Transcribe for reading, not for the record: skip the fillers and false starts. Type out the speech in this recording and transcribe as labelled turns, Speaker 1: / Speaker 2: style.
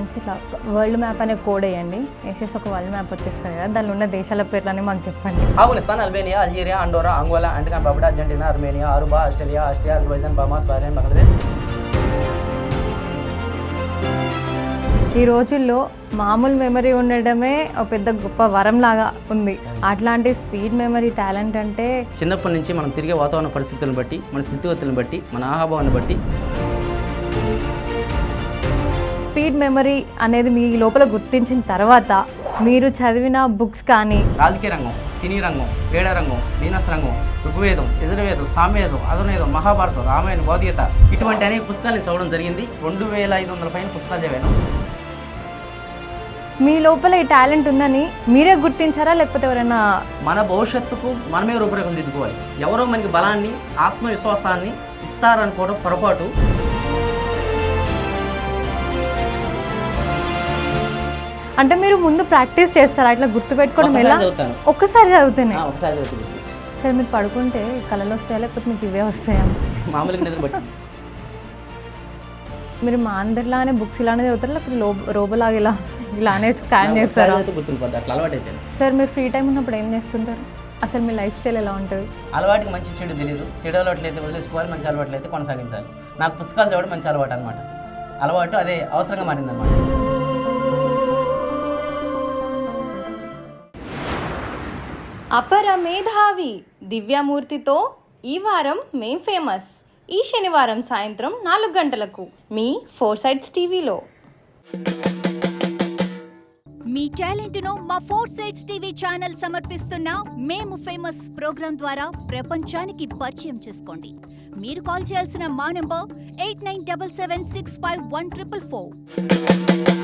Speaker 1: నుంచి ఇట్లా world map అనే కోడ్ వేయండి, వేసేసి ఒక వరల్డ్ మ్యాప్ వచ్చేస్తుంది కదా, దానిలో ఉన్న దేశాల పేర్లని మాకు చెప్పండి.
Speaker 2: Afghanistan, Albania, Algeria, Andorra, Angola, Antigua Barbuda, Argentina, Armenia, Aruba, Australia, Azerbaijan, Bahamas, Bahrain, Bangladesh.
Speaker 1: ఈ రోజుల్లో మామూలు మెమరీ ఉండడమే ఒక పెద్ద గొప్ప వరం లాగా ఉంది. అట్లాంటి స్పీడ్ మెమరీ టాలెంట్ అంటే
Speaker 2: చిన్నప్పటి నుంచి మనం తిరిగే వాతావరణ పరిస్థితులను బట్టి, మన స్థితిగతులను బట్టి, మన ఆహాభావాన్ని బట్టి
Speaker 1: స్పీడ్ మెమరీ అనేది మీ లోపల గుర్తించిన తర్వాత మీరు చదివిన బుక్స్ కానీ
Speaker 2: రాజకీయ రంగం, సినీ రంగం, క్రీడా రంగం, బిజినెస్ రంగం, ఋగ్వేదం, యజుర్వేదం, సామవేదం, అధుర్వేదం, మహాభారతం, రామాయణ, భగవద్గీత ఇటువంటి అనేక పుస్తకాలను చదవడం జరిగింది. 2500 పైన పుస్తకాలు చదివాను.
Speaker 1: మీ లోపల ఈ టాలెంట్ ఉందని మీరే గుర్తించారా, లేకపోతే ఎవరైనా?
Speaker 2: మన భవిష్యత్తుకు మనమే రూపురేఖలు దిద్దుకోవాలి. ఎవరో మనకి బలాన్ని, ఆత్మవిశ్వాసాన్ని ఇస్తారనుకోవడం పొరపాటు.
Speaker 1: అంటే మీరు ముందు ప్రాక్టీస్ చేస్తారా? అట్లా గుర్తుపెట్టుకోవడం ఎలా? ఒక్కసారి చదివితేనే?
Speaker 2: ఒకసారి చదువుతుంది.
Speaker 1: సరే, మీరు పడుకుంటే కళలు వస్తాయా, లేకపోతే మీకు ఇవే వస్తాయా?
Speaker 2: మామూలుగా నిద్ర బట్టి.
Speaker 1: మీరు మా అందరిలానే బుక్స్ ఇలానే చదువుతారా, లేకపోతే రోబోలాగా ఇలానే స్కాన్ చేస్తారా?
Speaker 2: గుర్తుండిపోద్ది, అట్లా అలవాటు అయిపోయింది.
Speaker 1: సార్, మీరు ఫ్రీ టైం ఉన్నప్పుడు ఏం చేస్తుంటారు? అసలు మీ లైఫ్ స్టైల్ ఎలా ఉంటుంది?
Speaker 2: అలవాటుకి మంచి చెడు తెలియదు. చెడు అలవాట్లు అయితే వదిలేసుకోవాలి, మంచి అలవాట్లు అయితే కొనసాగించాలి. నాకు పుస్తకాలు చదవడం మంచి అలవాటు అనమాట. అలవాటు అదే అవసరంగా మారిందనమాట.
Speaker 1: అపర మేధావి దివ్యామూర్తితో ఈ వారం మేం ఫేమస్. ఈ శనివారం సాయంత్రం 4 గంటలకు మీ ఫోర్సైట్స్ టీవీలో.
Speaker 3: మీ టాలెంట్ను మా ఫోర్సైట్స్ టీవీ ఛానల్ సమర్పిస్తున్న మేము ఫేమస్ ప్రోగ్రాం ద్వారా ప్రపంచానికి పరిచయం చేసుకోండి. మీరు కాల్ చేయాల్సిన మా నంబర్ 8977651444.